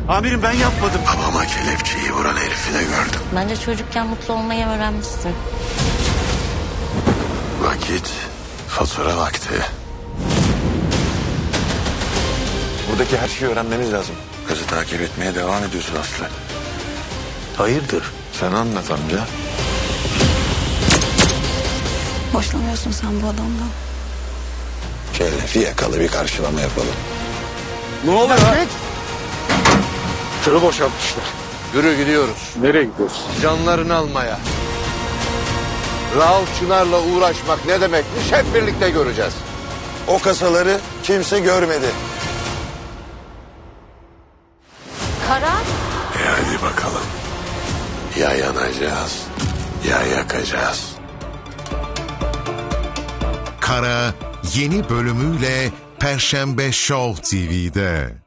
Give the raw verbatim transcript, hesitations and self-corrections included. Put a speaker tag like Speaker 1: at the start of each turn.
Speaker 1: Amirim ben yapmadım.
Speaker 2: Babama kelepçeyi vuran herifi de gördüm.
Speaker 3: Bence çocukken mutlu olmayı öğrenmişsin.
Speaker 2: Vakit fatura vakti. Buradaki her şeyi öğrenmeniz lazım. Kızı takip etmeye devam ediyorsun Aslı.
Speaker 1: Hayırdır?
Speaker 2: Sen anlat amca.
Speaker 4: Hoşlanıyorsun sen bu adamdan.
Speaker 2: Şöyle fiyakalı bir karşılama yapalım.
Speaker 1: Ne oluyor? Tırı boşaltmışlar.
Speaker 5: Yürü gidiyoruz.
Speaker 1: Nereye gidiyoruz?
Speaker 5: Canlarını almaya. Rauf Çınar'la uğraşmak ne demekmiş hep birlikte göreceğiz.
Speaker 2: O kasaları kimse görmedi.
Speaker 3: Kara?
Speaker 2: E hadi bakalım. Ya yanacağız ya yakacağız.
Speaker 6: Kara yeni bölümüyle Perşembe Show T V'de.